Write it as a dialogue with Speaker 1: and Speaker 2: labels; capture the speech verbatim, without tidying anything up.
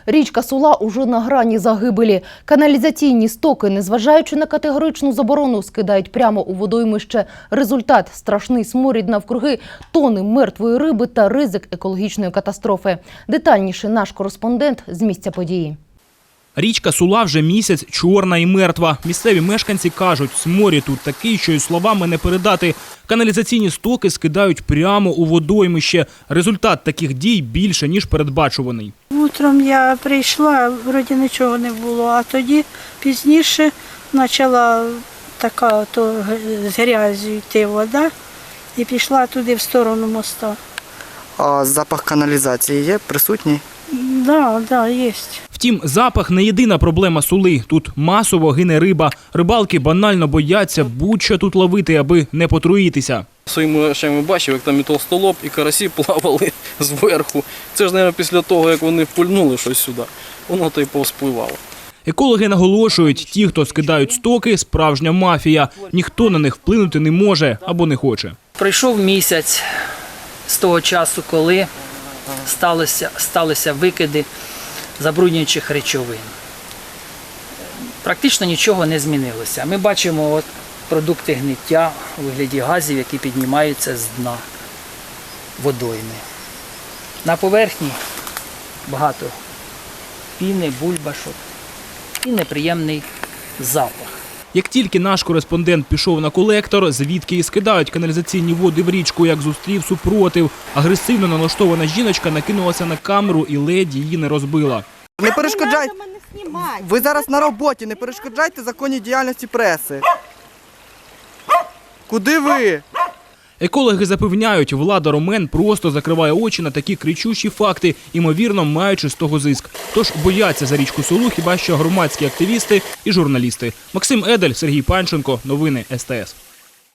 Speaker 1: Річка Сула уже на грані загибелі. Каналізаційні стоки, незважаючи на категоричну заборону, скидають прямо у водоймище. Результат – страшний сморід навкруги, тони мертвої риби та ризик екологічної катастрофи. Детальніше наш кореспондент з місця події.
Speaker 2: Річка Сула вже місяць чорна і мертва. Місцеві мешканці кажуть, сморід тут такий, що й словами не передати. Каналізаційні стоки скидають прямо у водоймище. Результат таких дій більше, ніж передбачуваний.
Speaker 3: Утром я прийшла, вроді нічого не було, а тоді пізніше почала така то з грязю йти вода і пішла туди в сторону моста.
Speaker 4: А запах каналізації є присутній?
Speaker 3: Так, так, є.
Speaker 2: Втім, запах не єдина проблема Сули. Тут масово гине риба. Рибалки банально бояться будь-що тут ловити, аби не потруїтися.
Speaker 5: Своїми очами бачив, як там і толстолоб, і карасі плавали зверху. Це ж, мабуть, після того, як вони пульнули щось сюди, воно то й повспливало.
Speaker 2: Екологи наголошують, ті, хто скидають стоки – справжня мафія. Ніхто на них вплинути не може або не хоче.
Speaker 6: Пройшов місяць з того часу, коли сталися, сталися викиди забруднюючих речовин. Практично нічого не змінилося. Ми бачимо от продукти гниття у вигляді газів, які піднімаються з дна водойми. На поверхні багато піни, бульбашок і неприємний запах.
Speaker 2: Як тільки наш кореспондент пішов на колектор, звідки і скидають каналізаційні води в річку, як зустрів супротив. Агресивно налаштована жіночка накинулася на камеру і ледь її не розбила.
Speaker 4: Не перешкоджайте. Ви зараз на роботі, не перешкоджайте законній діяльності преси. Куди ви?
Speaker 2: Екологи запевняють, влада Ромен просто закриває очі на такі кричущі факти, ймовірно, маючи з того зиск. Тож бояться за річку Сулу хіба що громадські активісти і журналісти. Максим Едель, Сергій Панченко. Новини ес те ес.